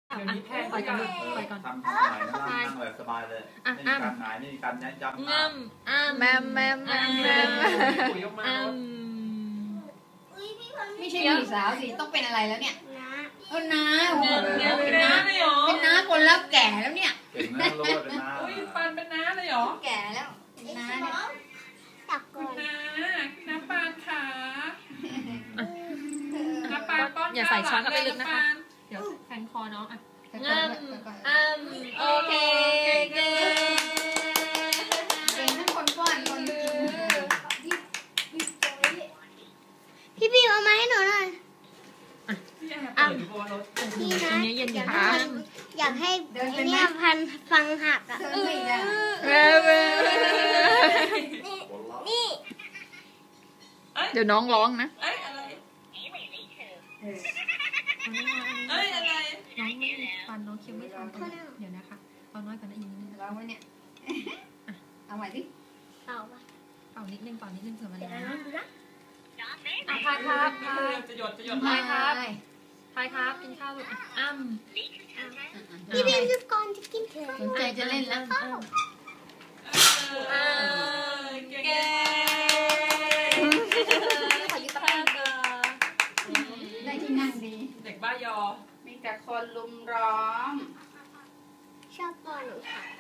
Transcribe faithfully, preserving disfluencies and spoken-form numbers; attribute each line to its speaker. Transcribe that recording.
Speaker 1: เดี๋ยวนี้แพงไปกันไปก่อน
Speaker 2: ทำทำไหนนั่งนั่งแบบสบายเลยไม่มีการหงายไม่มีการยัดยับ
Speaker 1: งามอ้าม
Speaker 3: แมมแมมแมมแมม
Speaker 1: ปุ๋ยออกมาอ้าม
Speaker 3: ไม่ใช่หญิงสาวสิต้องเป็นอะไรแล้วเนี่ยเออน้าโอ้โห
Speaker 1: เป็นน้าเลยเหรอ
Speaker 3: เป็นน้าคนรับแก่แล้วเนี่ย
Speaker 2: เก่งนะโลดเลยนะ
Speaker 1: อุ้ยปันเป็นน้าเลยเหรอ
Speaker 3: แก่แล้วเป็นน้าเนี่ย
Speaker 1: คุณน้าน้าปานขาน้าปานป้อน
Speaker 4: อย่าใส่ช้อนเข้าไปลึกนะคะ เดี๋ยวแทงคอน้องอ่ะงามอ้ามโอเคเก่ง
Speaker 3: เก่งทั้งคนป้อนคนกิน
Speaker 5: พี่พี่เอามาให้หนูหน่อย
Speaker 1: อ้ามเปิดรถ
Speaker 5: พี่นะ
Speaker 4: เนี้ยเย็นอยู่
Speaker 5: อยาก
Speaker 4: นะ
Speaker 5: ให้อยากให้ไอเนี่ยพันฟังหักอ่ะ
Speaker 3: เดินไปอีกแล้ว
Speaker 4: แม่แม่
Speaker 5: นี่
Speaker 4: เดี๋ยวน้องร้องนะ
Speaker 1: เอ้ยอะไร
Speaker 3: เออ
Speaker 1: เอ้ยอะไร
Speaker 4: น้องไม่มีฟันน้องเคี้ยวไม่ทันเดี๋ยวนะคะเอาน้อยกว่านั้นอีกนิดนึง
Speaker 3: ร้องไว้เนี่ยเอาใหม่ดิ
Speaker 5: เอาปะ
Speaker 4: เป่านิดนึงเป่านิดนึงเผื่อมัน
Speaker 5: เดี๋ยว
Speaker 4: นะ
Speaker 5: นะดูนะ
Speaker 4: อ่ะพายครับพาย
Speaker 1: จะหยดจะหยด
Speaker 4: พายครับพายครับกินข้าวลูกอ้าม
Speaker 5: พี่พี่คือก่อนจะกินเถอะ
Speaker 3: สนใจจะเล่นแล้ว
Speaker 4: อ้าม
Speaker 1: เออเก่ง
Speaker 4: ขอยืมตะกร้าก่อน
Speaker 3: ได้ที่นั่งดี
Speaker 1: เด็กบ้ายอ
Speaker 3: มีแต่คนลุมร้อม
Speaker 5: ชอบตอนหนูค่ะ